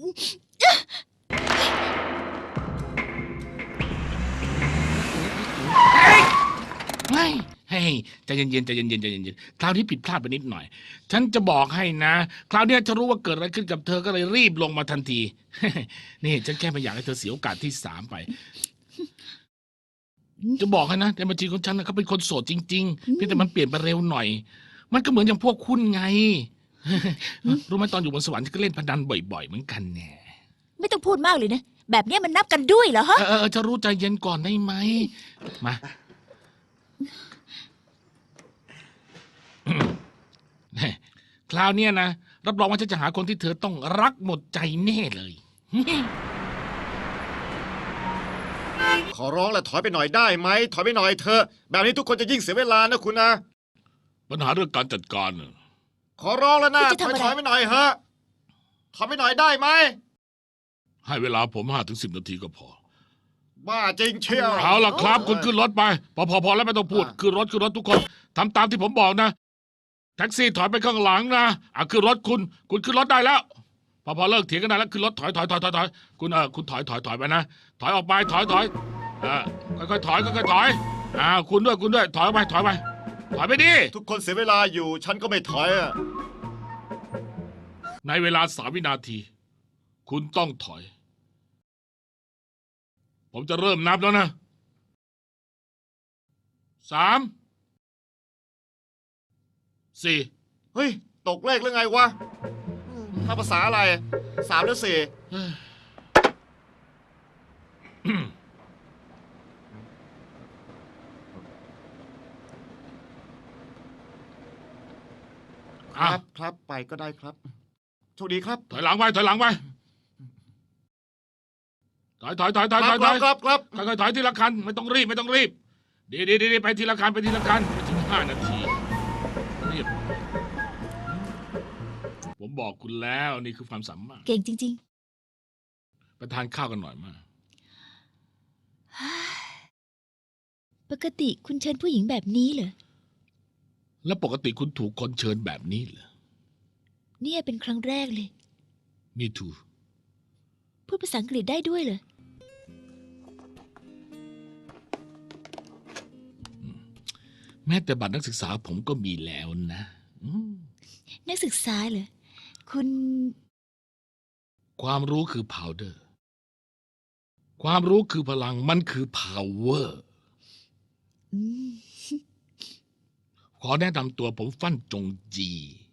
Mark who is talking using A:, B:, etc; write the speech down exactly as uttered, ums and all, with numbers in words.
A: ไม่เฮ้ยใจเย็นๆใจเย็นๆใจเย็นๆคราวนี้ผิดพลาดไปนิดหน่อยฉันจะบอกให้นะคราวนี้จะรู้ว่าเกิดอะไรขึ้นกับเธอก็เลยรีบลงมาทันทีนี่ฉันแค่ไม่อยากให้เธอเสียโอกาสที่สามไปจะบอกให้นะในบัญชีของฉันนะเขาเป็นคนโสดจริงๆเพียงแต่มันเปลี่ยนไปเร็วหน่อยมันก็เหมือนอย่างพวกคุณไงรู้ไหมตอนอยู่บนสวรรค์ก็เล่นพนันบ่อยๆเหมือนกันแน่
B: ไม่ต้องพูดมากเลยนะแบบนี้มันนับกันด้วยเหรอฮะ
A: เออจะรู้ใจเย็นก่อนได้ไหมมาคราวนี้นะรับรองว่าฉันจะหาคนที่เธอต้องรักหมดใจแน่เลย
C: ขอร้องแหละถอยไปหน่อยได้ไหมถอยไปหน่อยเถอะแบบนี้ทุกคนจะยิ่งเสียเวลานะคุณนะ
A: ปัญหาเรื่องการจัดการน่ะ
C: ขอร้องแล้วนะถอยถอยไปหน่อยเถอะถอยไปหน่อยได้ไหม
A: ให้เวลาผมห้าถึงสิบนาทีก็พอ
C: บ้าจริงเชียว
A: เอาล่ะครับคุณขึ้นรถไปพอพอพอแล้วไม่ต้องพูดขึ้นรถขึ้นรถทุกคนทำตามที่ผมบอกนะแท็กซี่ถอยไปข้างหลังนะอ่ะขึ้นรถคุณคุณขึ้นรถได้แล้วพอพอเลิกเถียงกันได้แล้วขึ้นรถถอยถอยถอยถอยถอยคุณเออคุณถอยถอยถอยไปนะถอยออกไปถอยถอยเออค่อยๆถอยค่อยๆถอยอ่าคุณด้วยคุณด้วยถอยไปถอยไปถอยไปดิ
C: ทุกคนเสียเวลาอยู่ฉันก็ไม่ถอยอะ
A: ในเวลาสามวินาที คุณต้องถอย ผมจะเริ่มนับแล้วนะสามสี่
C: เฮ้ยตกเลขหรือไงวะถ้าภาษาอะไรสามหรือสี่ครับครับไปก็ได้ครับโชคดีครับ
A: ถอยหลังไปถอยหลังไปถอยถอยถอยถอยถอยถอย
C: ครับครับ
A: ค่อยๆถอยทีละคันไม่ต้องรีบไม่ต้องรีบดีดีดีไปทีละคันไปทีละคันไปถึงห้านาทีรีบผมบอกคุณแล้วนี่คือความสามารถ
B: เก่งจริง
A: ๆไปทานข้าวกันหน่อยมา
B: ปกติคุณเชิญผู้หญิงแบบนี้เหรอ
A: แล้วปกติคุณถูกคนเชิญแบบนี้เหรอ
B: เนี่ยเป็นครั้งแรกเลย
A: Me too
B: พูดภาษาอังกฤษได้ด้วยเหรอ
A: แม้แต่บัตรนักศึกษาผมก็มีแล้วนะ
B: นักศึกษาเหรอคุณ
A: ความรู้คือ powder ความรู้คือพลังมันคือ power ขอแนะนำตัวผมฟั่นจงจี